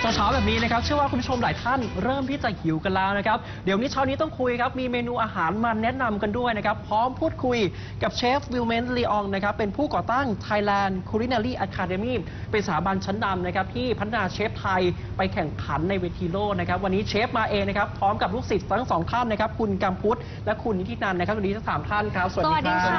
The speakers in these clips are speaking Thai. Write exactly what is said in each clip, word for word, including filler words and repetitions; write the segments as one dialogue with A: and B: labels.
A: เช้าๆแบบนี้นะครับเชื่อว่าคุณผู้ชมหลายท่านเริ่มที่จะหิวกันแล้วนะครับเดี๋ยวนี้เช้านี้ต้องคุยครับมีเมนูอาหารมาแนะนำกันด้วยนะครับพร้อมพูดคุยกับเชฟวิลเมนต์ลีอองนะครับเป็นผู้ก่อตั้ง Thailand Culinary Academy เป็นสถาบันชั้นนำนะครับที่พัฒนาเชฟไทยไปแข่งขันในเวทีโลกนะครับวันนี้เชฟมาเองนะครับพร้อมกับลูกศิษย์ทั้งสองท่านนะครับคุณกัมพุทธและคุณนิตินันท์นะครับสวัสดีทั้งสามท่านครับ
B: สวัสดีค่ะ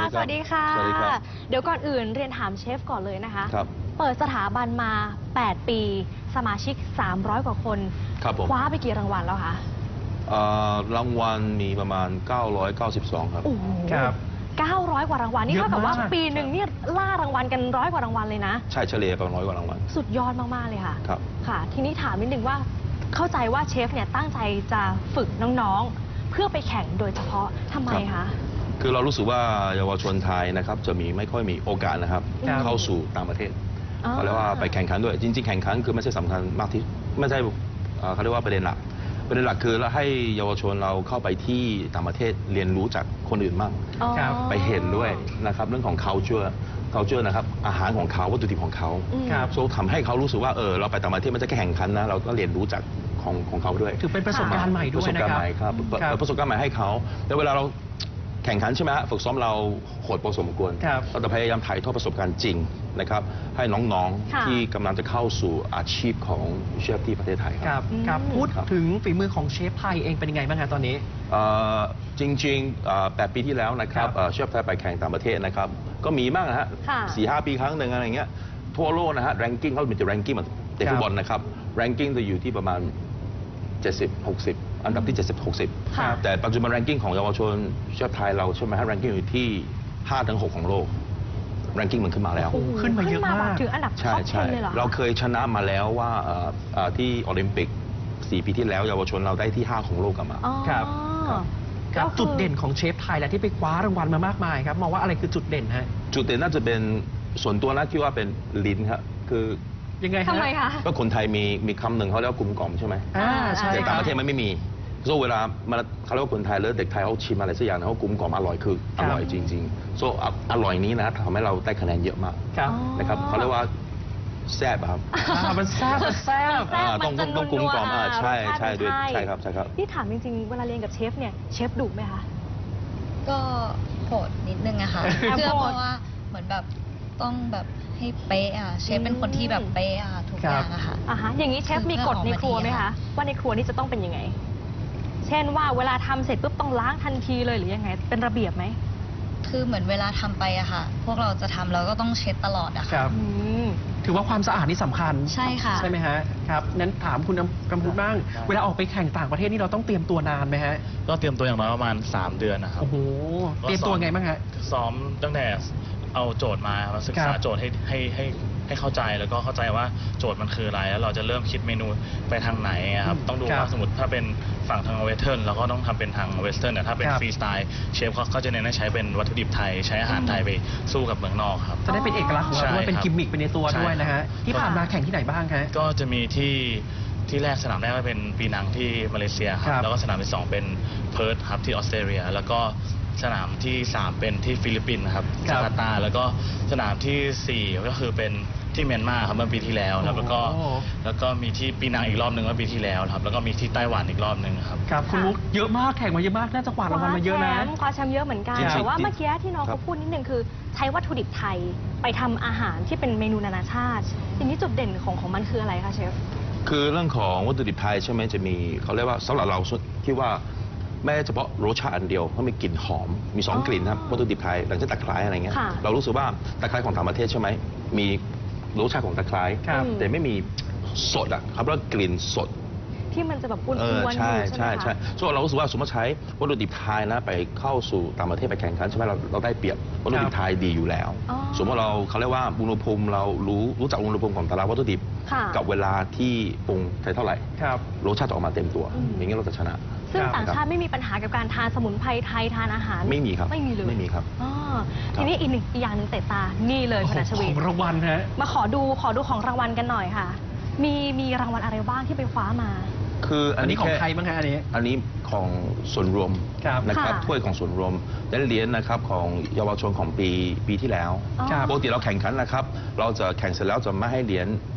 C: สวัสดีค่ะ
B: สวัสดีค่ะ เดี๋ยวก่อนอื่นเรียนถามเชฟก่อนเลยนะคะ
C: ครับ
B: เปิดสถาบันมา แปด ปี สมาชิก สามร้อย กว่าคน
C: ครับผม
B: คว้าไปกี่รางวัลแล้วคะ
C: เอ่อรางวัลมีประมาณเก้าร้อยเก้าสิบสองครับ
B: โอ้โห
A: ครับ
B: เก้าร้อย กว่ารางวัล นี่
A: เยอะ
B: เท่ากับว่าม
A: าก
B: ปีหนึ่งนี่ล่ารางวัลกันร้อยกว่ารางวัลเลยนะ
C: ใช่เฉลี่ยประมาณร้อยกว่ารางวัล
B: สุดยอดมาก ๆ เลยค่ะ
C: ครับ
B: ค่ะ ทีนี้ถามนิดนึงว่าเข้าใจว่าเชฟเนี่ยตั้งใจจะฝึกน้องๆ เพื่อไปแข่งโดยเฉพาะทำไม
C: ครั
B: คะ
C: บ คือเรารู้สึกว่าเยาวชนไทยนะครับจะมีไม่ค่อยมีโอกาสนะครับ
A: ครับ
C: เข้าสู่ต่างประเทศ
B: อ๋อ
C: เขาเรียกว่าไปแข่งขันด้วยจริงๆแข่งขันคือไม่ใช่สำคัญมากที่ไม่ใช่เอ่อเขาเรียกว่าประเด็นหลักประเด็นหลักคือเราให้เยาวชนเราเข้าไปที่ต่างประเทศเรียนรู้จากคนอื่นบ้าง
B: อ๋อ
A: ครับ
C: ไปเห็นด้วยนะครับเรื่องของ culture culture นะครับอาหารของเขาวัตถุดิบของเขา
B: อืม
A: ครับ
C: โซทำให้เขารู้สึกว่าเออเราไปต่างประเทศไม่ใช่แค่แข่งขันนะเราก็เรียนรู้จากของของเขาด้วย
A: ถือเป็นประสบการณ์ใหม่ด้
C: ป
A: ว
C: ระ
A: ย
C: สบ
A: นะ
C: การ
A: ค
C: ณ์
A: รับ
C: ใหม่ครับเปิด
A: ครับ
C: เปิดประสบการณ์ใหม่ให้เขาแล้วเวลาเราแข่งขันใช่ไหมฮะฝึกซ้อมเราโหดพอสมควร
A: ครับ
C: เราจะพยายามถ่ายทอดประสบการณ์จริงนะครับให้น้อง
B: ค่ะ
C: ๆที่กำลังจะเข้าสู่อาชีพของเชฟที่ประเทศไทย
A: ค
C: ค
A: รั
C: รั
A: บบ ครับ
B: อืม
A: พูด
C: ครับ
A: ถึงฝีมือของเชฟไทยเองเป็นยังไงบ้างครับตอนนี้
C: เอ่อจริงๆเอ่อแปดปีที่แล้วนะครับ
A: ครับ
C: เอ่อเชฟไทยไปแข่งต่างประเทศนะครับก็มีบ้างนะฮะ
B: ค่ะ
C: สี่ห้าปีครั้งหนึ่งอะไรเงี้ยทั่วโลกนะฮะแรงกิ้งเขาเป็นจะแรงกิ้งแบบเตะฟุตบอลนะครับแรงกิ้งจะอยู่ที่ประมาณ เจ็ดสิบ หกสิบ อันดับที่ เจ็ดสิบ หกสิบ
B: ค่ะ
C: แต่ปัจจุบันแรงกิ้งของเยาวชนเชฟไทยเราใช่ไหมฮะแรงกิ้งอยู่ที่ ห้าถึงหก ของโลกแรงกิ้งมันขึ้นมาแล้ว
A: โอ้โหขึ้นมาเยอะมาก
B: แบบถึงอันดับท็
C: ใช่
B: อป
C: ใช่
B: สิบเลยเหรอคะ
C: เราเคยชนะมาแล้วว่าเอ่อเอ่อที่โอลิมปิกสี่ปีที่แล้วเยาวชนเราได้ที่ห้าของโลกกลับมา
B: อ๋อ
A: ครับ ครับ
B: ก็คือ
A: จุดเด่นของเชฟไทยแหละที่ไปคว้ารางวัลมามากมายครับมองว่าอะไรคือจุดเด่นฮะ
C: จุดเด่นน่าจะเป็นส่วนตัวนะคิดว่าเป็นลิ้นครับคือ
A: ยังไงฮะ
B: ทำไมคะ
C: ก็คนไทยมีมีคำหนึ่งเขาเรียกว่ากลุ่มกล่อมใช่ไหม
A: อ่าใช่
C: แต่
A: ค
C: ต่า
A: รับ
C: งประเทศมันไม่มีโซเวลามันเขาเรียกว่าคนไทยแล้วเด็กไทยเขาชิมอะไรสักอย่างนะเขากลุ่มกล่อมอร่อยคืออร่อยจริงๆโซอร่อยนี้นะทำให้เราได้คะแนนเยอะมาก
A: ครับ
B: อ๋อ
C: นะครับเขาเรียกว่าแซ่บอะครับ
A: อ่ามันแซ่บมันแซ่บ
B: แซ่บ
C: อ่า
B: มัน
C: ต้อง
B: จะ
C: ต้องกลุ่มกล่อม
B: นัวๆ
C: อ่าใช่
B: รสชาติ
C: ใช่ด้วย
B: มัน
C: ใช่ครับใช่ครับ
B: นี่ถามจริงๆ เวลาเรียนกับเชฟเนี่ยเชฟดุไหมคะ
D: ก็โหดนิดนึงอะค่ะ
B: แอบ
D: เพื่อ
B: โหด
D: เพราะว่าเหมือนแบบต้องแบบให้เป๊ะอะเชฟเป็นคนที่แบบเป๊ะอะทุก
A: ค
D: อ
A: รับ
D: ย่างอะค่ะ
B: อ่าฮะอย่างนี้เชฟ
D: คือ
B: มีกฎในครัวไหม
D: เพื่อออกมาดี
B: คะ
D: ค่ะ
B: ว่าในครัวนี่จะต้องเป็นยังไง เช่นว่าเวลาทำเสร็จปุ๊บต้องล้างทันทีเลยหรือยังไง เป็นระเบียบไหม
D: คือเหมือนเวลาทำไปอะค่ะ พวกเราจะทำเราก็ต้องเช็ดตลอดอะ
A: ค
D: ค่ะ
A: รับ
B: อืม
A: ถือว่าความสะอาดนี่สำคัญ
D: ใช่ค่ะ
A: ใช่ไหมฮะครับนั้นถามคุณกำพูดบ้างเวลาออกไปแข่งต่างประเทศนี่เราต้องเตรียมตัวนานไหมฮะ
E: ก็เตรียมตัวอย่างน้อยประมาณ สาม เดือนนะครับ
A: โอ้โหเตรียมตัวไงบ้างฮะ
E: ซ้อมตั้งแต่เอาโจทย์มามาศึก
A: ค
E: ษา
A: รับ
E: โจทย์ให้ให้ให้ให้เข้าใจแล้วก็เข้าใจว่าโจทย์มันคืออะไรแล้วเราจะเริ่มคิดเมนูไปทางไหนอะครับ
A: อืม
E: ต้องดู
A: ครับ
E: ว่าสมมติถ้าเป็นฝั่งทางเวสเทิร์นเราก็ต้องทำเป็นทางเวสเทิร์นแต่ถ้าเป็น
A: ครับ
E: ฟรีสไตล์เชฟเขาเขาจะเน้นให้ใช้เป็นวัตถุดิบไทย ใช้อาหารไทยไปสู้กับเมืองนอกครับ
A: จะได้เป็นเอกลักษณ์ของเราด้วย
E: ใช่
A: เป็น
E: ครับ
A: กิมมิคไปในตัว
E: ใช่
A: ด้วยนะฮะ
E: ครับ
A: ที่ผ่านมาแข่งที่ไหนบ้างฮะ
E: ก็จะมีที่ที่แรกสนามแรกก็เป็นปีนังที่มาเลเซียค
A: ครั
E: รับบ แล้วก็สนามที่สองเป็นเพิร์ธครับที่ออสเตรเลีย แล้วก็สนามที่สามเป็นที่ฟิลิปปินส์ครับ
A: ครั
E: จาก
A: บ
E: าร์ตาแล้วก็สนามที่สี่ก็คือเป็นที่เมียนมาครับเมื่อปีที่แล้วครับแล้วก็
A: โอ้
E: แล้วก็มีที่ปีนังอีกรอบหนึ่งเมื่อปีที่แล้วครับแล้วก็มีที่ไต้หวันอีกรอบหนึ่งครับ
A: ครับคุณมุกเยอะมากแข่งมาเยอะมากน่าจะกวาดรางวัลมาเยอะนะ
B: คว้าแชมป์คว้าแชมป์เยอะเหมือนกัน
C: จริงๆ
B: แต่ว่า
C: จริง
B: เมื่อกี้ที่น้อง
C: ครั
B: เขา
C: บ
B: พูดนิดนึงคือ ใช้วัตถุดิบไทยไปทำอาหารที่เป็นเมนูนานาชาติอย่างนี้จุดเด่นของของมันคืออะไรคะเชฟ
C: คือเรื่องของวัตถุดิบไทยใช่ไหมจะมีเขาเรียกว่าสำหรับเราคิดว่าไม่เฉพาะรสชาติอันเดียวเพราะมีกลิ่นหอมมีสอง
B: อ๋อก
C: ลิ่นนะครับวัตถุดิบไทยหลังจากตะไคร้อะไรเงี้ย
B: ค่ะ
C: เรารู้สึกว่าตะไคร้ของต่างประเทศใช่ไหมมีรสชาติของตะไคร้
A: ครับ
C: แต่ไม่มีสดอ่ะครับแล้วกลิ่นสด
B: ที่มันจะแบบอ้วน
C: เออ
B: ๆอยู่
C: ใช่
B: ใช่
C: ใช่
B: ไหม
C: ใช่
B: คะ
C: ส่วนเรารู้สึกว่าสมมติใช้วัตถุดิบไทยนะไปเข้าสู่ต่างประเทศไปแข่งขันใช่ไหมเราเราได้เปรียบวัตถุดิบไทยดีอยู่แล้ว
B: อ๋อ
C: สมมติเราเขาเรียกว่าอุณหภูมิเรารู้รู้จักอุณหภูมิของแต่ละวัตถุดิบ
B: ค่ะ
C: กับเวลาที่ปรุงใส่เท่าไหร่
A: ครับ
C: รสชาติจะออกมาเต็มตัว
B: อืม
C: อย่างนี้เราจะชนะ
B: ซึ่ง
A: ครับ
B: ต่างชาติไม่มีปัญหากับการทานสมุนไพรไทยทานอาหาร
C: ไม่มีครับ
B: ไม่มีเลย
C: ไม่มีครับ
B: อ๋อ
C: ครับ
B: ทีนี้อีกหนึ่งอีกอย่างหนึ่งเตะตานี่เลยพนัช
A: ข
B: วี
A: องรางวัลฮะ
B: มาขอดูขอดูของรางวัลกันหน่อยค่ะ มีมีรางวัลอะไรบ้างที่ไปคว้ามา
C: คืออั
A: อั
C: น
A: น
C: นี้
A: นี้ของ
C: แค่
A: ใครบ้างฮะอันนี้
C: อันนี้ของส่วนรวม
A: ครับ
C: นะครับ
B: ค่ะ
C: ถ้วยของส่วนรวมและเหรียญนะครับของเยาวชนของปีปีที่แล้ว
B: อ๋อ
A: ครับ
C: ปกติเราแข่งขันนะครับ เราจะแข่งเสร็จแล้วจะไม่ให้เหรียญ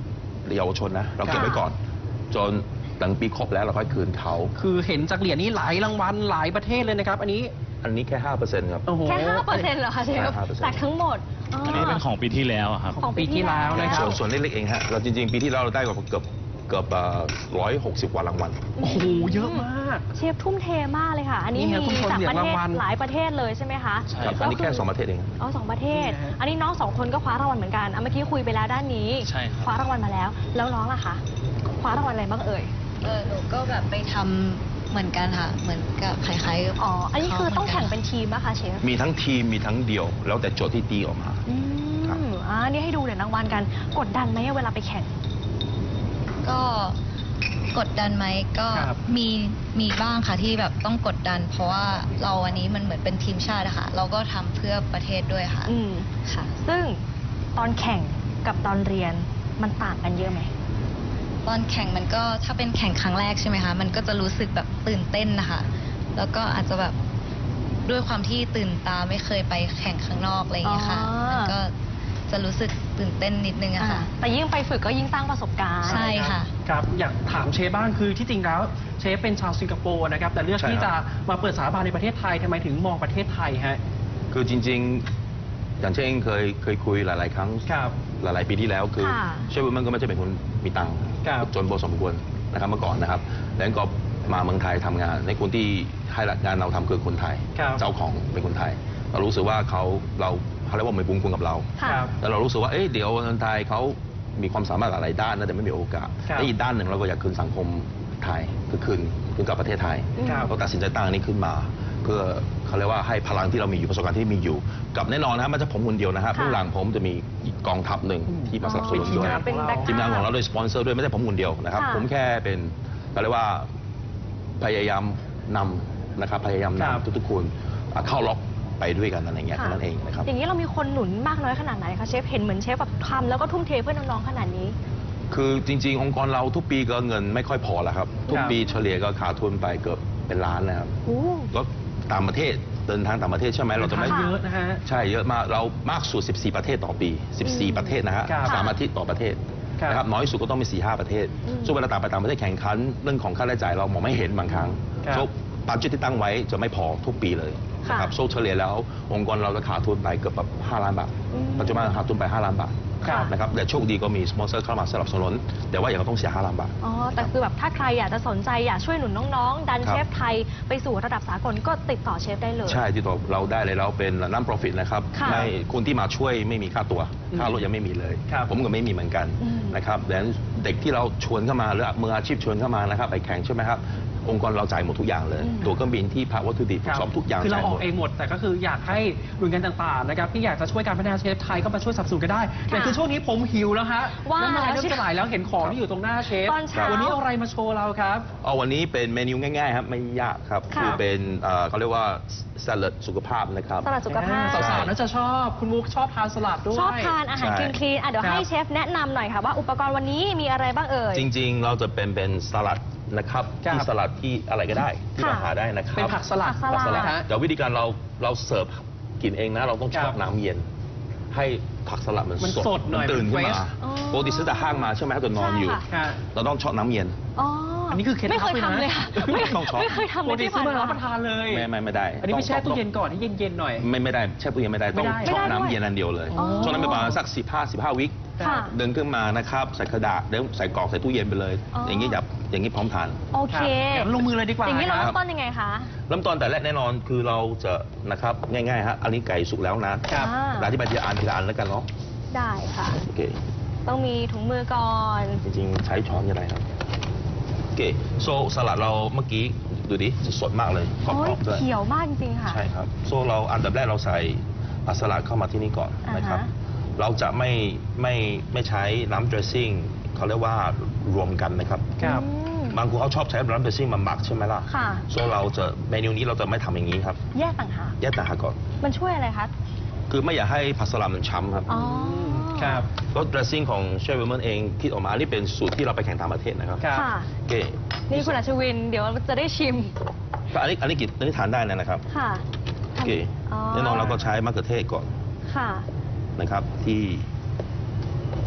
C: เยาวชนนะเราเก็บไว้ก่อนจนหลังปีครบแล้วเราค่อยคืนเขา
A: คือเห็นจากเหรียญนี้หลายรางวัลหลายประเทศเลยนะครับ อันนี้
C: อันนี้แค่ห้าเปอร์เซ็นต์ครับ
A: โอ้โห
B: แค่ห้าเปอร์เซ็นต์เหรอคะเชฟ
C: ใช่ห้าเปอร์เซ็นต์
B: จากทั้งหมด
E: อันนี้เป็นของปีที่แล้วอะครับ
B: ของปีที่แล้ว
A: นะค
C: ส่
A: รั
C: ว
A: บ
C: นส่วนเล็กๆเองฮะเราจริงๆ ปีที่แล้วเราได้กว่าเกือบเกือบร้อยหกสิบกว่ารางวัล
A: โอ้โหเยอะมาก
B: เชฟทุ่มเทมากเลยค่ะ อันนี้
A: นี่ไงคุณ
B: มี
A: ผู้ชม
B: จาก
A: เหรีย
B: ป
A: ญ
B: ระเทศ
A: รางวัล
B: หลายประเทศเลยใช่ไหมคะ
E: ใช่
C: ครับ
E: ค
C: อั
E: รั
C: น
E: บ
C: นี้แค่สองประเทศเอง
B: อ๋อสองประเทศ
A: นี่นะ
B: อันนี้น้องสองคนก็คว้ารางวัลเหมือนกันอ่ะเมื่อกี้คุยไปแล้วด้านนี้
E: ใช่ครับ
B: คว้ารางวัลมาแล้ว แล้วน้องล่ะคะคว้ารางวัลอะไรบ้างเอ่ย
D: เออหนูก็แบบไปทำเหมือนกันค่ะ เหมือนกับคล้ายๆกับ
B: อ๋อ อันนี้คือต้อง
D: ขา
B: แข่ง
D: หมื
B: เป็นทีมนะคะเชฟ
C: มีทั้งทีมมีทั้งเดี่ยว แล้วแต่โจทย์ที่ตีออกมา
B: อื
C: ครับ
B: มอ่านี่ให้ดูเหรียญรางวัลกัน กดดันไหมเวลาไปแข่ง
D: ก็กดดันไหมก็
A: ครับ
D: มีมีบ้างค่ะที่แบบต้องกดดัน เพราะว่าเราอันนี้มันเหมือนเป็นทีมชาติอะค่ะ เราก็ทำเพื่อประเทศด้วยค่ะ
B: อืม
D: ค่ะ
B: ซึ่งตอนแข่งกับตอนเรียนมันต่างกันเยอะไหม
D: ตอนแข่งมันก็ถ้าเป็นแข่งครั้งแรกใช่ไหมคะ มันก็จะรู้สึกแบบตื่นเต้นนะคะ แล้วก็อาจจะแบบด้วยความที่ตื่นตาไม่เคยไปแข่งข้างนอกอะไรอย่างเงี้ยค่ะ
B: อ๋อ
D: มันก็จะรู้สึกตื่นเต้นนิดนึงอะ
B: อ่า
D: ค่ะ
B: แต่ยิ่งไปฝึกก็ยิ่งสร้างประสบการณ์
D: ใช่ค่ะ
A: ครับอยากถามเชฟบ้างคือที่จริงแล้วเชฟเป็นชาวสิงคโปร์นะครับแต่เลือก
C: ใช่
A: ที่
C: ครั
A: จะ
C: บ
A: มาเปิดสถาบันในประเทศไทยทำไมถึงมองประเทศไทยฮะ
C: คือจริงๆ อย่างเช่นเคยเคยคุยหลาย ๆ ครั้ง
A: ครับ
C: หลาย ๆ ปีที่แล้วคือ
B: ค่ะ
C: เชฟวิลมันก็ไม่ใช่เป็นคนมีตังค์
A: ครับ
C: จนพอสมควรนะครับเมื่อก่อนนะครับแล้วก็มาเมืองไทยทำงาน ในคนที่ให้งานเราทำคือคนไทย
A: ครับ
C: เจ้าของเป็นคนไทย เรารู้สึกว่าเขาเราเขาเรียกว่ามีบุญคุณกับเรา
B: ค่ะ
A: ครับ
C: แต่เรารู้สึกว่าเอ๊ะเดี๋ยวคนไทยเขามีความสามารถหลายด้านนะแต่ไม่มีโอกาส
A: ครับ
C: และอีกด้านหนึ่งเราก็อยากคืนสังคมไทยคือคืนคืนกับประเทศไทย
A: ครับ
C: เราตัดสินใจตั้งอันนี้ขึ้นมา เพื่อเขาเรียกว่าให้พลังที่เรามีอยู่ประสบการณ์ที่มีอยู่ กับแน่นอนนะครับไมันจะผมคนเดียวนะครับ
B: ค่ะ
C: ข้างหลังผมจะมีอีกกองทัพหนึ่งที่มาสนับสนุน
A: ทีม
C: ด้วย
A: งาน
B: เป็นแบ็ค
C: ทีมงานของเราโดยสปอนเซอร์ด้วยไม่ใช่ผมคนเดียวนะครับ
B: ค่ะ
C: ผมแค่เป็นเขาเรียกว่าพยายามนำนะครับพยายาม
A: ครับ
C: นำทุกๆคนอ่ะเข้าล็อกไปด้วยกันอะไรอย่างเงี้ย
B: ค่ะ
C: แค่นั้นเองนะครับ
B: อย่างนี้เรามีคนหนุนมากน้อยขนาดไหนคะเชฟ เห็นเหมือนเชฟแบบทำแล้วก็ทุ่มเทเพื่อน้องๆขนาดนี้
C: คือจริง ๆ องค์กรเราทุกปีก็เงินไม่ค่อยพอแล้วครับ ทุกปีเฉลี่ยก็ขาดทุนไปเกือบเป็นล้านนะครับ
B: โอ้
C: ก็ต่างประเทศเดินทางต่างประเทศใช่ไหมเราจะไม่
A: เยอะนะฮะ
C: ใช่เยอะมากเรามากสุด สิบสี่ ประเทศต่อปี สิบสี่ ประเทศนะฮะ
A: ครับ
C: สามอาทิตย์ต่อประเทศ
A: ครับ
C: นะครับน้อยสุดก็ต้องมี สี่ห้า ประเทศ
B: อืม
C: ส่วนเวลาต่างไปต่างประเทศแข่งขันเรื่องของค่าใช้จ่ายเรามองไม่เห็นบางครั้ง
A: ครับ
C: โซ่บัตเจตที่ตั้งไว้จะไม่พอทุกปีเลยนะครับโซ่เฉลี่ยแล้วองค์กรเราจะขาดทุนไปเกือบแบบห้าล้านบาท
B: อืม
C: ปัจจุบันขาดทุนไปห้าล้านบาท
A: ครับ
C: นะครับแต่โชคดีก็มีสปอนเซอร์เข้ามาสนับสนุนแต่ว่าอย่างเราต้องเสียห้าล้านบาท
B: อ๋อ แต่คือแบบถ้าใครอยากจะสนใจอยากช่วยหนุนน้องๆ ดัน
C: ครับ
B: เชฟไทยไปสู่ระดับสากลก็ติดต่อเชฟได้เลย
C: ใช่ที่ตัวเราได้เลยเราเป็นน้ำ profit นะครับ
B: ค่ะ
C: ไม่คนที่มาช่วยไม่มีค่าตัว
A: อืม
C: ค่ารถยังไม่มีเลย
A: ครับ
C: ผมก็ไม่มีเหมือนกัน
B: อืม
C: นะครับแต่เด็กที่เราชวนเข้ามาหรือมืออาชีพชวนเข้ามานะครับไปแข่งใช่ไหมครับองค์กรเราจ่ายหมดทุกอย่างเลย
B: อืม
C: ตัวเครื่องบินที่พักวัตถุดิบ
A: ครับ
C: สอบทุกอย่าง
A: คือเรา
C: จ่าย
A: อ
C: ห
A: อ
C: ม
A: ก
C: ด
A: เองหมด แต่ก็คืออยากให้หน่วยงานต่างๆนะครับที่อยากจะช่วยการพัฒนาเชฟไทยก็มาช่วยสนับสนุนกันได้แต่คือช่วงนี้ผมหิวแล้วฮะ
B: ว่า
A: น้ำลาย
B: แล้ว
A: เริ่ม
B: เชฟ
A: จะไหลแล้วเห็นของที่อยู่ตรงหน้าเชฟ
B: ตอนเช้า
A: วันนี้เอาอะไรมาโชว์เราครับ
C: เอาวันนี้เป็นเมนูง่ายๆครับไม่ยากครับ
B: ค่ะ
C: คือเป็นเอ่อเขาเรียกว่าสลัดสุขภาพนะครับ
B: สลัดสุขภาพ
A: สาวๆน่าจะชอบคุณมุกชอบทานสลัดด้วย
B: ชอบทานอาหาร
C: ใช่
B: คลีนๆอ่ะเดี๋ยว
A: ครับ
B: ให้เชฟแนะนำหน่อยค่ะว่าอุปกรณ์วันนี้มีอะไรบ้างเอ่ย
C: จริงๆ เราจะเป็นเป็นสลัดนะครับ
A: ครับ
C: ที่สลัดที่อะไรก็ได้ที่เรา
B: ค่ะ
C: หาได้นะครับ
A: เป็นผักสลัด
B: ผักสลัด
A: นะฮะ
C: เดี๋ยววิธีการเราเราเสิร์ฟกินเองนะ เราต้อง
A: ครั
C: ช
A: บ
C: อบน้ำเย็น ให้ผักสลัดมัน
A: มัน
C: สด
A: สดหน่อย
C: ตื่นขึ้น
A: มัน
C: มา
A: fresh
B: อ๋อ
C: ปกติซื้อแต่ห้างมาใช่ไหมครับตัวนอนอยู่
B: ใช่ค่ะ
A: ค่ะ
C: เราต้องชอบน้ำเย็น
B: อ๋อ
A: อั
B: อั
A: นนี้คือเคล็ดลับ
B: ไม่เคย
A: เลยนะ
B: ทำเลยค่ะไม่
C: ต้องช็อป
B: ไม่เคยทำ
A: ป
B: เล
A: ก
B: ย
A: ติ
B: ที่
A: ซื้อ
B: ผ่าน
A: มา
B: มา
A: รับประทานเลย
C: ไม่ไม่ไม่ได้
A: อันนี้ไปแช่ตู้เย็นก่อนให้เย็นๆหน่อย
C: ไม่ไม่ได้แช่ตู้เย็นไม่ได้ต้อง
A: ไม่ได้
C: ชอบ
B: ไม่ได้
C: น้ำ
B: ด้วย
C: เย็นอันเดียวเลย
A: อ๋อ
C: ช่วงนั้นประมาณสักสิบห้าสิบห้าวิ
B: ค่ะ
C: เดินขึ้นมานะครับใส่กระดาษเดี๋ยวใส่กรอกใส่ตู้เย็นไปเลย
B: อ๋อ
C: อ
B: อ
C: ย่างนี้แบบอย่างนี้พร้อมทาน
B: โอเค
A: ครับงั้นลงมือเลยดีกว่า
B: อย่างนี้เรา
A: ค
B: เริ่
A: รับ
B: มต้นยังไงคะ
C: เริ่มต้นแต่แรกแน่นอนคือเราจะนะครับง่ายๆฮะอันนี้ไก่สุกแล้วนะครับ
B: อ่า
C: เราอธิบายทีละอันทีละอันแล้วกันเนาะ
B: ได้ค่ะ
C: โอเค
B: ต้องมีถุงมือก่อน
C: จริงๆ ใช้ช้อนยังไงครับ โอเคโซสลัดเราเมื่อกี้ดูดิสดมากเลยกร
B: โอ้ย
C: อบๆด้วย
B: เขียวมากจริงๆค่ะ
C: ใช่ครับโซเราอันดับแรกเราใส่อ่ะสลัดเข้ามาที่นี่ก่อนนะครับ
B: อ่าฮะ
C: เราจะไม่ไม่ไม่ใช้น้ำเดรสซิ่งเขาเรียกว่ารวมกันนะครับ
A: ครับ
B: อืม
C: บางคนเขาชอบใช้น้ำเดรสซิ่งมาหมักใช่ไหมล่ะ
B: ค่ะ
C: โซเราจะเมนูนี้เราจะไม่ทำอย่างนี้ครับ
B: แยกต่างหาก
C: แยกต่างหากก่อน
B: มันช่วยอะไรคะ
C: คือไม่อยากให้ผักสลัดมันช้ำครับ
B: อ๋อ
A: ครับ
C: รส dressing ของเชฟวิลเมนเองคิดออกมาอันนี้เป็นสูตรที่เราไปแข่งต่างประเทศนะครับ
A: ครับ
B: ค่ะ
C: โอเค
B: นี่คุณอัชวิน เดี๋ยวจะได้ชิม
C: ก็อันนี้อันนี้กินอันนี้ทานได้นะครับ
B: ค่ะ
C: โอเค
B: อ๋อ
C: แน่นอนเราก็ใช้มะเขือเทศก่อน
B: ค่ะ
C: นะครับที่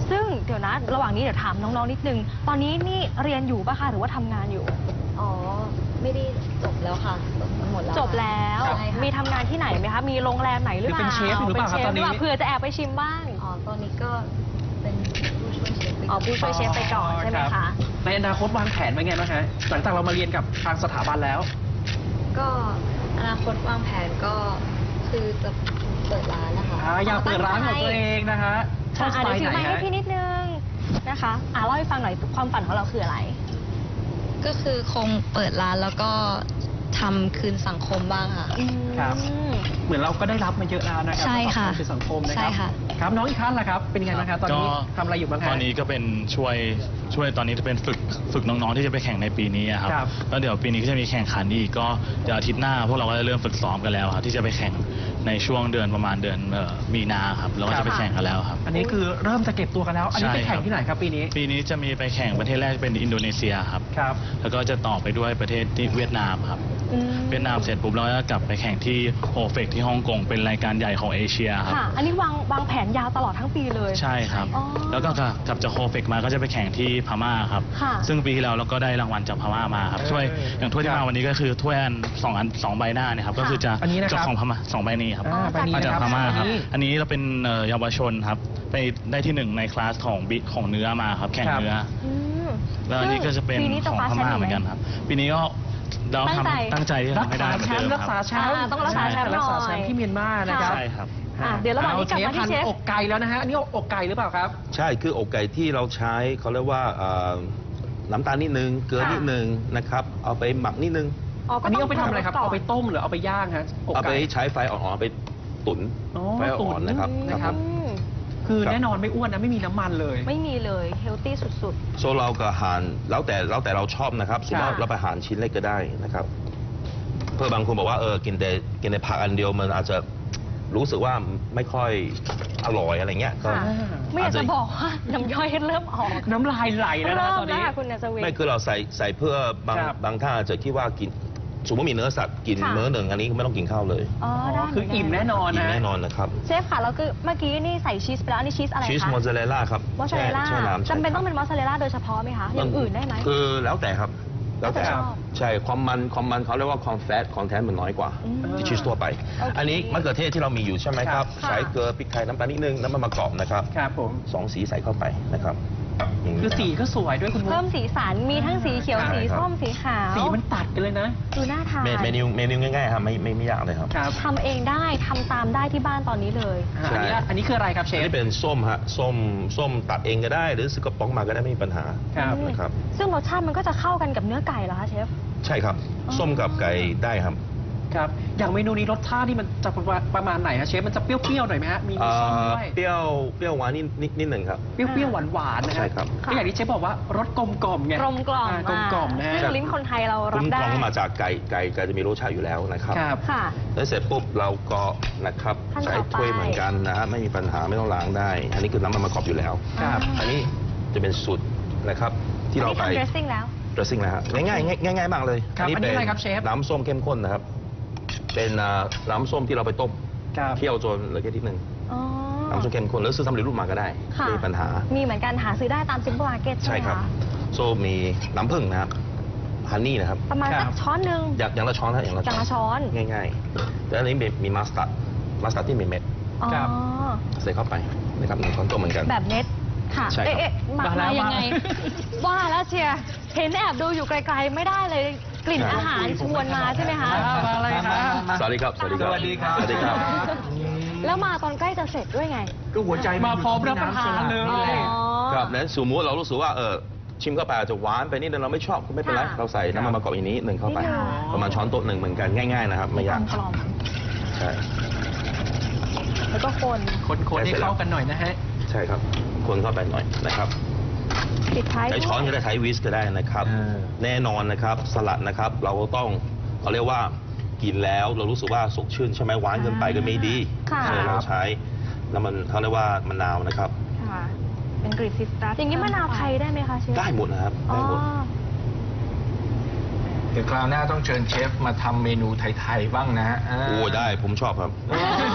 B: ซึ่งเดี๋ยวนะระหว่างนี้เดี๋ยวถามน้องๆนิดนึงตอนนี้นี่เรียนอยู่ป่ะคะหรือว่าทำงานอยู่
D: อ๋อ ไม่ได้จบแล้วค่ะ จบมาหมดแล้ว
B: จบแล้ว
D: ใช่ค่ะ
B: มีทำงานที่ไหนไหมคะมีโรงแรมไหนหรือเปล่า
A: หรือเป็นเชฟอยู่หรือเปล่าครับ
B: ป็นชฟ
A: ตอนนี้
B: หรืเปล่าเผื่อจะแอบไปชิมบ้าง
D: อ๋อ ตอนนี้ก็เป็นผู้ช่วยเชฟไป
B: อ๋อผู้ช่วยเชฟไปก่อนใช่ไหม
A: รั
B: คะ
A: บในอนาคตวางแผนไว้ไงบ้างฮะหลังจากเรามาเรียนกับทางสถาบันแล้ว
D: ก็อนาคตวางแผนก็คือจะเปิดร้านนะคะ
A: อ่าอยากเปิดร้านของตัวเองนะฮะชอบส
B: อ่ะ
A: ไต
B: เดี๋ยว
A: ล์
B: ถื
A: ไหน
B: อไม้ให้
A: ฮะ
B: พี่นิดนึงนะคะอ่ะเล่าให้ฟังหน่อยความฝันของเราคืออะไร
D: ก็คือคงเปิดร้านแล้วก็ทำคืนสังคมบ้างค่ะ
A: ครับ
B: อืม
A: เหมือนเราก็ได้รับมาเยอะแล้วนะครั
D: ใช่ค่ะ
A: สำหรับการเป็นสังคมนะค
D: ใช่
A: รับ
D: ค่ะ
A: ครับน้องอีกท่านล่ะครับเป็นยังไงบ้างครับตอนนี้
E: ก็
A: ทำอะไรอยู่บ้างฮะ
E: ตอนนี้ก็เป็นช่วยช่วยตอนนี้จะเป็นฝึกฝึกน้องๆที่จะไปแข่งในปีนี้อะครับ
A: ครับ
E: แล้วเดี๋ยวปีนี้ก็จะมีแข่งขันอีกก็เดี๋ยวอาทิตย์หน้าพวกเราก็จะเริ่มฝึกซ้อมกันแล้วครับที่จะไปแข่งในช่วงเดือนประมาณเดือนเอ่อมีนาครับเราก็จะไปแข่งกันแล้วครับ
A: อันนี้คือเริ่มจะเก็บตัวกันแล้ว อันนี้ไป
E: ใช่ครับ
A: แข่งที่ไหนครับปีนี้
E: ปีนี้จะมีไปแข่งประเทศแรกเป็นอินโดนีเซียครับ
A: ครับ
E: แล้วก็จะต่อไปด้วยประเทศที่เวียดนามครับ
B: อืม
E: เวียดนามเสร็จปุ๊บเราก็กลับไปแข่งที่โอเฟกที่ฮ่องกงเป็นรายการใหญ่ของเอเชียครับ
B: ค่ะ อันนี้วางวางแผนยาวตลอดทั้งปีเลย
E: ใช่ครับ
B: อ๋อ
E: แล้วก็กลับจากโอเฟกมาก็จะไปแข่งที่พม่าครับ
B: ค่ะ
E: ซึ่งปีที่แล้วเราก็ได้รางวัลจากพม่ามาครับถ้วยอย่างถ้วยที่มาวันนี้ก็คือถ้วยอันสองอันสองใบหน้าเนี่ยครับก็คือจะ
A: อันนี้นะครับ
E: จากของพม่าสองใบนี้ครับ
A: อ่าใบนี้
E: มา
A: นะ
E: จาก
A: ครับ
E: พม่าครับ
A: อันนี้
E: อันนี้เราเป็นเอ่อเยาวชนครับไปได้ที่หนึ่งในคลาสของบิของเนื้อมาครับแข่ง
A: ครับ
E: เนื้อ
B: อืม
E: แล้วอันนี้ก็จะเป็น
B: ปีนี้
E: ข
B: จะ
E: อง
B: คว้า
E: พ
B: แชมป์
E: ม่า
B: อีก
E: เหมือนกันครับ ปีนี้ก็เรา
B: ตั้งใจ
E: ทำตั้งใจที่จะ
A: รัก
E: ทำให้ได้
A: ษา
E: เหมือน
A: แช
E: เดิ
A: ม
E: ม
A: ป์รัก
E: ค
A: ษา
E: รับ
A: แชมป์
B: อ่าต้องรักษาแชมป์หน่อย
A: รักษาแชมป์ที่เมียนมานะครับ
E: ใช่ครับ
B: อ่ะเดี๋ยวระหว่างนี้กลับมาที่เชฟ
A: ออกไก่แล้วนะฮะ อันนี้อกไก่หรือเปล่าครับ
C: ใช่คืออกไก่ที่เราใช้เขาเรียกว่าเอ่อน้ำตาลนิดนึงเกลือ
B: ค่ะ
C: นิดนึงนะครับเอาไปหมักนิดนึง
A: อันนี้เอาไปทำอะไรครับ
B: ก่น
A: เอาไปต้มหรือเอาไปย่างฮะอก
C: เอาไป
A: ไก่
C: ใช้ไฟอ่อนๆเอาไปตุ๋น
A: อ๋อ
C: ไฟอ่อนๆนะครับ
A: ตุ๋นนะค
C: ค
A: รั
C: รับ บ
B: อืม
A: คือ
C: ครับ
A: แน่นอนไม่อ้วนนะไม่มีน้ำมันเลย
B: ไม่มีเลยเฮลตี้สุด
C: โซเรากับอาหารแล้วแต่แล้วแต่เราชอบนะครับสมมติว่า
B: ค่ะ
C: เราไปหารชิ้นเล็กก็ได้นะครับ เพื่อบางคนบอกว่าเออกินแต่กินแต่ผักอันเดียวมันอาจจะรู้สึกว่าไม่ค่อยอร่อยอะไรเงี้ย
B: ๆ
C: ก็
B: ค่ะ ไม่อยากจะบอกว่าน้ำย่อยเริ่มออก
A: น้ำลายไหลแล้วนะ
B: เริ่ม
A: ตอน
B: แล้ว
A: นี้
B: ค่ะคุณนัสวิน
C: ไม่คือเราใส่ใส่เพื่อบาง
A: ครับ
C: บางท่านอาจจะคิดว่ากินสมมติมีเนื้อสัตว์กิน
B: ค่ะ
C: มื้อหนึ่งอันนี้ไม่ต้องกินข้าวเลย
B: อ๋อได้
A: คืออิ่มแน่นอน
C: กิน
A: นะ
C: แน่นอนนะครับ
B: เชฟค่ะแล้วคือเมื่อกี้นี่ใส่ชีสไปแล้วอันนี้ชีสอะไรคะ
C: ชีสมอสซาเรลล่าครับ
B: มอสซาเรลล่า
C: แช่แช่น้ำ
B: จำเป็น
C: ใช่
B: ต้อง
C: ค
B: เป็
C: รับ
B: นมอสซาเรลล่าโดยเฉพาะไหมคะอย่างอื่นได้ไหม
C: คือแล้วแต่ครับ แล้วแต่
B: แล้วแต่ชอบ
C: ใช่ความมันความมันเขาเรียกว่าความแฟตคอนเทนต์มันน้อยกว่า
B: อืม
C: ที่ชีสทั่วไป
B: โอเค
C: อันนี้มะเขือเทศที่เรามีอยู่ใช่ไหมครับ
B: ค่ะ
C: ใส่เกลือพริกไทยน้ำตาลนิดนึงน้ำมันมะกอกนะครับ
A: ครับผม
C: สองสีใส่เข้าไปนะครับย่างนี้
A: คือสีก็สวยด้วยคุณมุก
B: เพิ่มสีสันมีทั้งสีเขียว
C: ใช่
B: สี
C: ครับ
B: ส้มสีขาว
A: สีมันตัดกันเลยนะ
B: ดูน่าทาน
C: เมเมนูเมนูง่ายๆครับไม่ไม่ไม่ยากเลยครับ
A: ครับ
B: ทำเองได้ทำตามได้ที่บ้านตอนนี้เลย
A: อ่าอันนี้อันนี้คืออะไรครับเช
C: อัน
A: ฟ
C: นี้เป็นส้มฮะส้มส้มตัดเองก็ได้ หรือซื้อกระป๋องมาก็ได้ไม่มีปัญหา
A: ครับ
C: นะครับ
B: ซึ่งรสชาติมันก็จะเข้ากันกับเนื้อไก่เหรอคะเชฟ
C: ใช่ครับ
B: อ๋อ
C: ส้มกับไก่ได้ครับ
A: ครับ อย่างเมนูนี้รสชาติที่มันจะประมาณไหนฮะเชฟ มันจะเปรี้ยวๆหน่อยไหมฮะ มีมีส้มด้วย
C: เปรี้ยวเปรี้ยวหวานนิดนิดนิดหนึ่งครับ
A: เปรี้ยวๆหวานๆนะฮะ
C: ใช่ครับ
A: ก็อย่างที่เชฟบอกว่ารสกลมกล่อมไง
B: กลมกล่อม
A: ากลมกล่อมนะฮะ
B: ซึ่งลิ้นคนไทยเรา
C: คุ
B: รับ
C: ณ
B: ได้
C: กรองมาจากไก่ไก่ไก่จะมีรสชาติอยู่แล้วนะครับ
A: ครับ
B: ค่ะ
C: แล้วเสร็จปุ๊บเราก็นะครับ
B: ขั้นต่อ
C: ใช้ถ้วย
B: ไป
C: เหมือนกันนะฮะไม่มีปัญหาไม่ต้องล้างได้ อันนี้คือน้ำมันมะกอกอยู่แล้ว
A: ครับ
C: อันนี้จะเป็นสูตรนะครับที่เราไป
B: อันนี้ทำ dressing แล้ว
C: dressing นะฮะง่ายๆง่ายๆง่ายๆมากเลย
A: ครับอันนี้อะไรครับเชฟ
C: น้ำส้มเข้มข้นนะครับ เป็นอ่าน้ำส้มที่เราไปต้ม
A: ครับ
C: เคี่ยวจนเหลือแค่นิดนึง
B: อ๋อ
C: น้ำส้มเข้มข้นแล้วซื้อสำเร็จรูปมาก็ได้
B: ค่ะ
C: ไม่มีปัญหา
B: มีเหมือนกันหาซื้อได้ตามซิมเปิลมาร์เก็ตใช่
C: ใช่
B: ไหม
C: ครับ
B: คะ
C: โซมีน้ำผึ้งนะครับฮันนี่นะครับ
B: ประมาณ
A: ครั
B: สั
A: บ
B: กช้อนหนึ่ง
C: อยากอย่างละช้อนนะอย่างละ
B: อย่างละช้อน
C: ง่ายๆแล้วอันนี้มีมีมัสตาร์ดมัสตาร์ดที่มีเม็ด
B: อ๋อ
A: ครับ
C: ใส่เข้าไปนะครับหนึ่งช้อนโต๊ะเหมือนกัน
B: แบบเม็ดค่ะ
C: ใช่ครับ
B: เอ๊ะเอ๊ะมา
A: มาแล้ว
B: มายังไง
A: มา
B: ว่าแล้วเชียร์เห็นแอบดูอยู่ไกลๆไม่ได้เลยกลิ่นอาหารชวนมาใช่ไหมคะ
A: มาอะไรครับ
C: สวัสดีครับ สวัสดีครับ
F: สวัสดีครับ
C: สวัสดีครับ
B: แล้วมาตอนใกล้จะเสร็จด้วยไง
F: ก็หัวใจ
A: มาพร้อมรับประทานเลย
F: นี่แหละ
B: อ๋อ
C: ครับนั้นสมมติเรารู้สึกว่าเออชิมเข้าไปอาจจะหวานไปนิดนึงเราไม่ชอบก็ไม่เป็นไร
B: ค่ะ
C: เราใส่น้ำมันมะกอกอีกนิดหนึ่งเข้าไป
B: นิดนึง
C: ประมาณช้อนโต๊ะหนึ่งเหมือนกันง่ายๆนะครับไม่ยาก
B: กลม
C: ใช่
B: ๆแล้วก็คน
A: คนๆให้เข้ากันหน่อยนะฮะ
C: ใช่ครับคนเข้าไปหน่อยนะครับ
B: ปิดท้าย
C: ใช้ช้อนก็ได้ใช้วิสก็ได้นะครับ
F: เออ
C: แน่นอนนะครับสลัดนะครับ เราก็ต้องเขาเรียกว่ากินแล้วเรารู้สึกว่าสดชื่นใช่ไหมหวานเกินไปก็ไม่ดี
B: ค่ะ
C: เออเราใช้แล้วมันเขาเรียกว่ามะนาวนะครับ
B: ค่ะ เป็นกรีซิสตัสอย่างนี้มะนาวไทยได้ไหมคะเชฟ
C: ได้หมดนะครับ
B: อ๋อ
C: ได้หมด
F: เดี๋ยวคราวหน้าต้องเชิญเชฟมาทำเมนูไทยๆบ้างนะฮะา
C: โอ้ได้ผมชอบครับ
F: เออ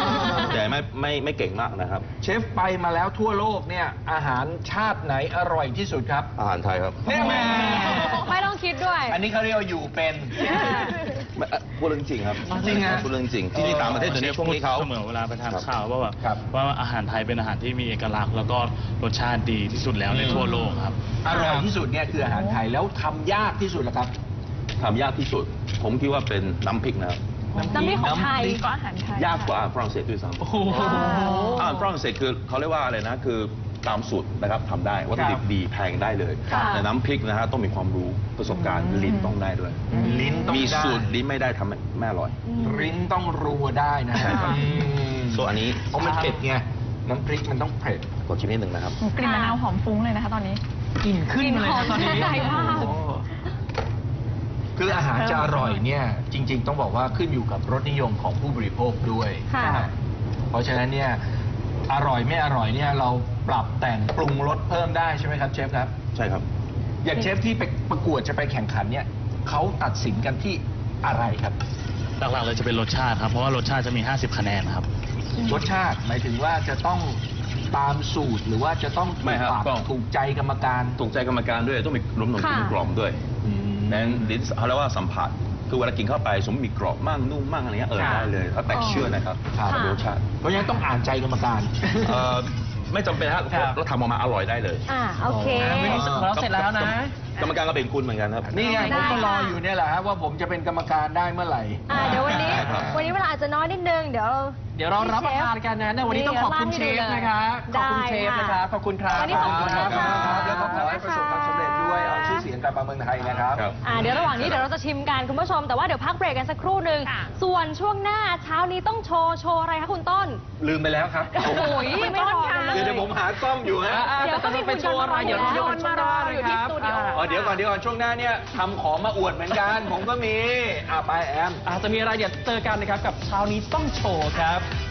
C: แต่ไม่ไม่ไม่เก่งมากนะครับ
F: เชฟไปมาแล้วทั่วโลกเนี่ยอาหารชาติไหนอร่อยที่สุดครับ
C: อาหารไทยครับ
F: เนี่ยแม่
B: ไม่ต้องคิดด้วย
F: อันนี้เขาเรียกว่าอยู่เป็น
C: ไม่เอ่อพูดเรื่องจริงครับ
F: จริงฮะ
C: พูดเรื่องจริงที่นี่ต่างประเทศเดี๋ยวนี้ช่วงนี้เขา
E: เสมอเวลาไปทานข้าวว่าแบบ
F: ครับ
E: ว่าอาหารไทยเป็นอาหารที่มีเอกลักษณ์แล้วก็รสชาติดีที่สุดแล้วในทั่วโลกครับ
F: อร่อยที่สุดเนี่ยคืออาหารไทยแล้วทำยากที่สุดเหรอครับ
C: ทำยากที่สุด ผมคิดว่าเป็นน้ำพริกนะครับ
B: น้ำพริกของไทย
G: ก็อาหารไทย
C: ยากกว่าอาหารฝรั่งเศสด้วยซ้ำ
A: โอ้โห
C: อาหารฝรั่งเศสคือเขาเรียกว่าอะไรนะคือตามสูตรนะครับทำได้วัตถุดิบดีแพงได้เลย
B: ค่ะ
C: แต่น้ำพริกนะฮะต้องมีความรู้ประสบการณ์ลิ้นต้องได้ด้วย
F: ลิ้นต้อง
C: มี
F: ได้
C: สูตรลิ้นไม่ได้ทำไม่อร่อย
F: ลิ้นต้องรัวได้นะฮะ
B: ค่ะ
F: อืม
C: ส่วนอันนี้
F: เพราะมันเผ็ดไงน้ำพริกมันต้องเผ็ด
C: ขอชิมนิดหนึ่งนะครับ
G: กลิ่นมะนาวหอมฟุ้งเลยนะคะตอนนี้
A: กลิ่นขึ้นมาเลยนะตอนนี้
B: กลิ่นหอมใช่มาก
A: โอ้โห
F: คืออาหารจะอร่อยเนี่ยจริง ๆ ต้องบอกว่าขึ้นอยู่กับรสนิยมของผู้บริโภคด้วย
B: ค่ะ
F: นะฮะเพราะฉะนั้นเนี่ยอร่อยไม่อร่อยเนี่ยเราปรับแต่งปรุงรสเพิ่มได้ใช่ไหมครับเชฟครับ
C: ใช่ครับ
F: อย่างเชฟที่ไปประกวดจะไปแข่งขันเนี่ยเขาตัดสินกันที่อะไรครับ
E: หลักๆเลยจะเป็นรสชาติครับ เพราะว่ารสชาติจะมี ห้าสิบ คะแนนครับ
F: รสชาติหมายถึงว่าจะต้องตามสูตรหรือว่าจะต้องถู
C: ไม่
F: ก
C: ครับ
F: ปาก
C: ก็
F: ถูกใจกรรมการ
C: ถูกใจกรรมการด้วยต้องมีรวมหนุ่ม
B: ค่ะ
C: กล่อมด้วย
F: อืม
C: นั้นลิ้นเขาเรียกว่าสัมผัสคือเวลากินเข้าไปสมมติมีกรอบมั่งนุ่มมั่งอะไรเงี้ยเออ
F: ค่ะ
C: ได้เลยถ้าแตกเชื่อนะครับ
F: ครับ
C: กับรสชาติ
F: เพราะฉะนั้นต้องอ่านใจกรรมการ
C: เอ่อไม่จำเป็นฮะ
F: ครับ
C: เราทำออกมาอร่อยได้เลย
B: อ่าโอเค
A: อ่าไม่รู้สึกของเราเสร็จแล้วนะ
C: กรรมการก็เป็นคุณเหมือนกันครับ
F: นี่ไง
B: ได้
F: ผมก็รอ
B: ค่ะ
F: อยู่เนี่ยแหละฮะว่าผมจะเป็นกรรมการได้เมื่อไหร่
B: อ่าเดี๋ยววันนี้
C: ได้ครับ
B: วันนี้เวลาอาจจะน้อยนิดนึง เดี๋ยว
A: เดี๋ยวเรารับประทานกันนะในวันนี้ต้องขอบคุณเชฟนะคะขอบคุณเชฟนะคะขอบคุณครับ
B: วันนี้ขอบคุณ
F: ค
B: นะ
F: รับ
B: คะ
F: แล้วก็ขอให้ประสบความสำเร็จด้วยเอาชื่อเสียงกลับมาเมืองไทยนะครับ
C: ครับ
B: อ่าเดี๋ยวระหว่างนี้เดี๋ยวเราจะชิมกันคุณผู้ชม แต่ว่าเดี๋ยวพักเบรกกันสักครู่หนึ่ง
G: ค่ะ
B: ส่วนช่วงหน้าเช้านี้ต้องโชว์โชว์อะไรคะคุณต้น
F: ลืมไปแล้วครับ
B: โอ้โหไม่รอกันเลย
F: เดี๋ยวเดี๋ยวผมหากล้องอยู่ฮะ
A: อ่า
B: เดี๋ยวก็มี
A: จะไปโชว์อะไร
B: คุณ
A: เดี๋ยวเรา
B: โย
A: เดี๋ยวน ช่วงหน้า
B: อยู่
A: นะค
B: ที่
A: รับ
B: สตูดิโอ
F: อ๋อเดี๋ยวก่อนเดี๋ยวก่อนช่วงหน้าเนี่ยทำของมาอวดเหมือนกัน ผมก็มีอ่าไปแอม
A: อาจจะมีอะไรเดี๋ยวเจอกันนะครับกับเช้านี้ต้องโชว์ครับ